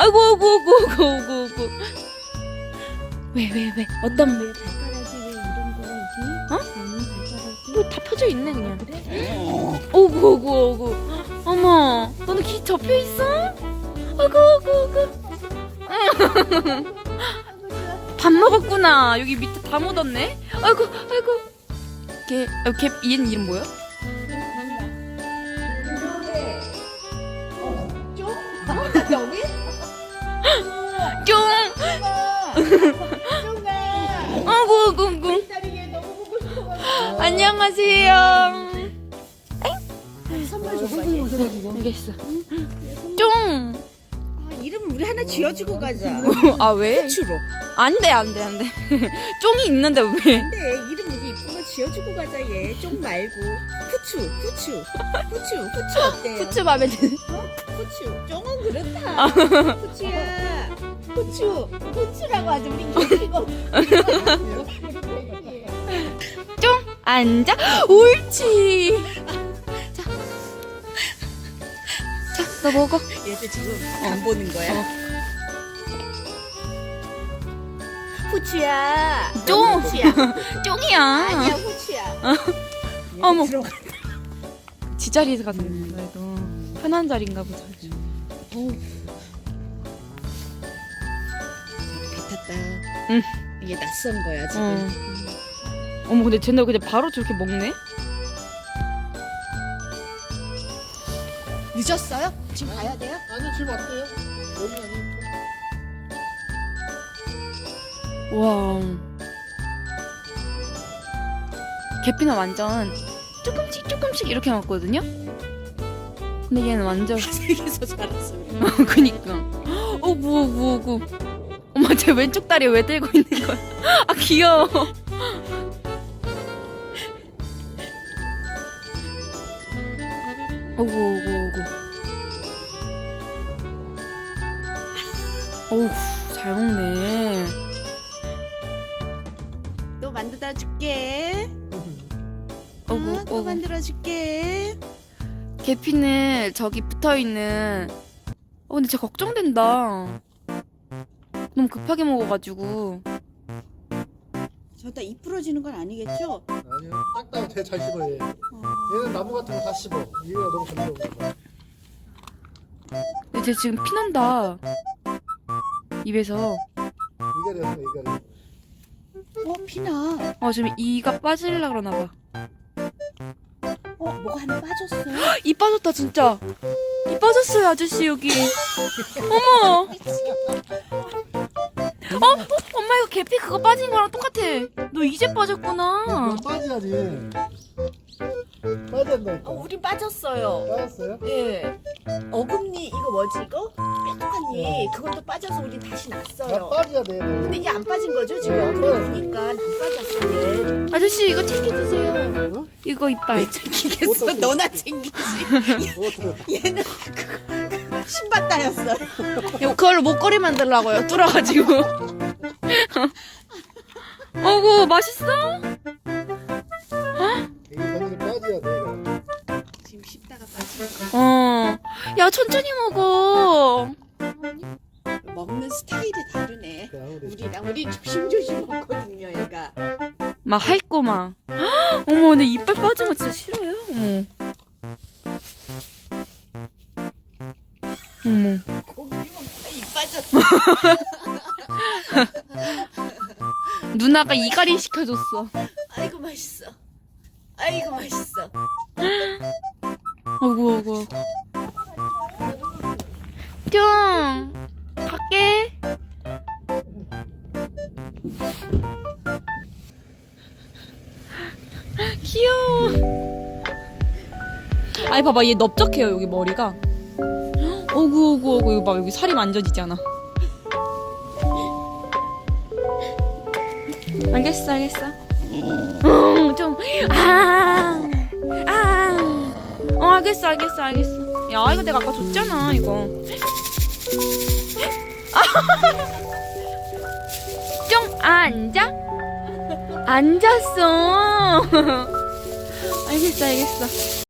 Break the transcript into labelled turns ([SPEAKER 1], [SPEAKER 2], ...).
[SPEAKER 1] 아이고, 아이고, 아이고, 아이고, 아이고, 아이고. 왜? 어떤,
[SPEAKER 2] 왜 발가락이 왜 이런 거지?
[SPEAKER 1] 어?
[SPEAKER 2] 발가락이?
[SPEAKER 1] 뭐 다 펴져 있네, 그냥.
[SPEAKER 2] 그래?
[SPEAKER 1] 오구, 오구, 오구. 어머, 너는 귀 접혀 있어? 아이고, 아이고, 아이고. 밥 먹었구나. 여기 밑에 다 묻었네. 아이고, 아이고. 얘는 이름 뭐야?
[SPEAKER 2] 여기?
[SPEAKER 1] 쫑!
[SPEAKER 2] 쫑아!
[SPEAKER 1] 아이고, 아이고, 아이고.
[SPEAKER 2] 딸이 얘 너무 보고 싶어가지고.
[SPEAKER 1] 안녕하세요.
[SPEAKER 2] 선물 줘봐.
[SPEAKER 1] 알겠어. 쫑!
[SPEAKER 2] 아, 이름을 우리 하나 지어주고 가자.
[SPEAKER 1] 아, 왜?
[SPEAKER 2] 후추로.
[SPEAKER 1] 안 돼. 쫑이 있는데 왜?
[SPEAKER 2] 근데 이름 우리 이쁜 거 지어주고 가자 얘. 쫑 말고. 후추 어때요?
[SPEAKER 1] 후추 맘에 드는.
[SPEAKER 2] 후추. 쫑은 그렇다. 후추야. 후추라고 하지 우리 이거.
[SPEAKER 1] 쫑! 앉아. 옳지. 자, 너 먹어.
[SPEAKER 2] 얘들 지금 안 보는 거야. 후추야.
[SPEAKER 1] 쫑!
[SPEAKER 2] 후추야.
[SPEAKER 1] 쫑이야.
[SPEAKER 2] 아니야 후추야.
[SPEAKER 1] 어머.
[SPEAKER 2] 들어가.
[SPEAKER 1] 지 자리에서 갔네. 그래도 편한 자리인가 보다.
[SPEAKER 2] 배 탔다.
[SPEAKER 1] 응.
[SPEAKER 2] 이게 낯선 거야 지금.
[SPEAKER 1] 어머, 근데 쟤네 그냥 바로 저렇게 먹네?
[SPEAKER 2] 늦었어요? 지금 가야 돼요?
[SPEAKER 3] 아니요, 지금 왔대요. 여기 아니니까.
[SPEAKER 1] 와. 계피는 완전 조금씩 이렇게 먹거든요? 근데 얘는 완전.
[SPEAKER 2] 세계에서 자랐어.
[SPEAKER 1] 그니까. 어구. 엄마, 쟤 왼쪽 다리 왜 들고 있는 거야? 아, 귀여워. 어구. 어우, 잘 먹네.
[SPEAKER 2] 또 만들어 줄게.
[SPEAKER 1] 어구.
[SPEAKER 2] 또 만들어 줄게.
[SPEAKER 1] 계피는 저기 붙어있는. 근데 쟤 걱정된다. 너무 급하게 먹어가지고.
[SPEAKER 2] 저다 입 부러지는 건 아니겠죠?
[SPEAKER 3] 아니요, 딱딱 잘 씹어요. 얘. 얘는 나무 같은 거 다 씹어. 얘가 너무 잘 씹어.
[SPEAKER 1] 근데 쟤 지금 피난다. 입에서.
[SPEAKER 3] 이가리.
[SPEAKER 2] 피나.
[SPEAKER 1] 지금 이가 빠지려고 그러나봐.
[SPEAKER 2] 뭐가 하나 빠졌어.
[SPEAKER 1] 이 빠졌다, 진짜. 이 빠졌어요, 아저씨, 여기. 어머. 엄마, 이거 계피 그거 빠진 거랑 똑같아. 너 이제 빠졌구나.
[SPEAKER 3] 그럼 빠져야지. 빠졌다니까.
[SPEAKER 2] 우리 빠졌어요.
[SPEAKER 3] 빠졌어요?
[SPEAKER 2] 예. 어금니 이거 뭐지 이거? 뾰족한 니 그것도 빠져서 우리 다시
[SPEAKER 3] 다
[SPEAKER 2] 났어요.
[SPEAKER 3] 빠져야 돼.
[SPEAKER 2] 근데 이게 안 빠진 거죠 지금? 어금니 보니까 안 빠졌어 얘.
[SPEAKER 1] 아저씨, 이거 챙겨주세요.
[SPEAKER 3] 어?
[SPEAKER 1] 이거 이빨.
[SPEAKER 2] 챙기겠어?
[SPEAKER 3] 어떡해.
[SPEAKER 2] 너나 챙기지. 얘는 신발 따였어.
[SPEAKER 1] 그걸로 목걸이 만들라고요, 뚫어가지고. 어구, 맛있어?
[SPEAKER 3] 이게 완전히 빠져야 돼. 이거.
[SPEAKER 2] 지금 씹다가 빠져.
[SPEAKER 1] 야, 천천히 먹어.
[SPEAKER 2] 먹는 스타일이 다르네.
[SPEAKER 3] 아무래도.
[SPEAKER 2] 우리 조심조심 먹거든요 얘가.
[SPEAKER 1] 막 핥고 막. 어머, 근데 이빨 빠진 거 진짜 싫어요? 어머.
[SPEAKER 2] 고기 먹다가 입 빠졌어.
[SPEAKER 1] 누나가 이갈이 시켜줬어.
[SPEAKER 2] 아이고 맛있어. 아이고 맛있어.
[SPEAKER 1] 어구. 뿅. 갈게. 귀여워. 아니, 봐봐, 얘 넓적해요, 여기 머리가. 어구. 이거 봐, 여기 살이 만져지잖아. 알겠어. 좀. 알겠어. 야, 이거 내가 아까 줬잖아, 이거. 좀 앉았어. 알겠어.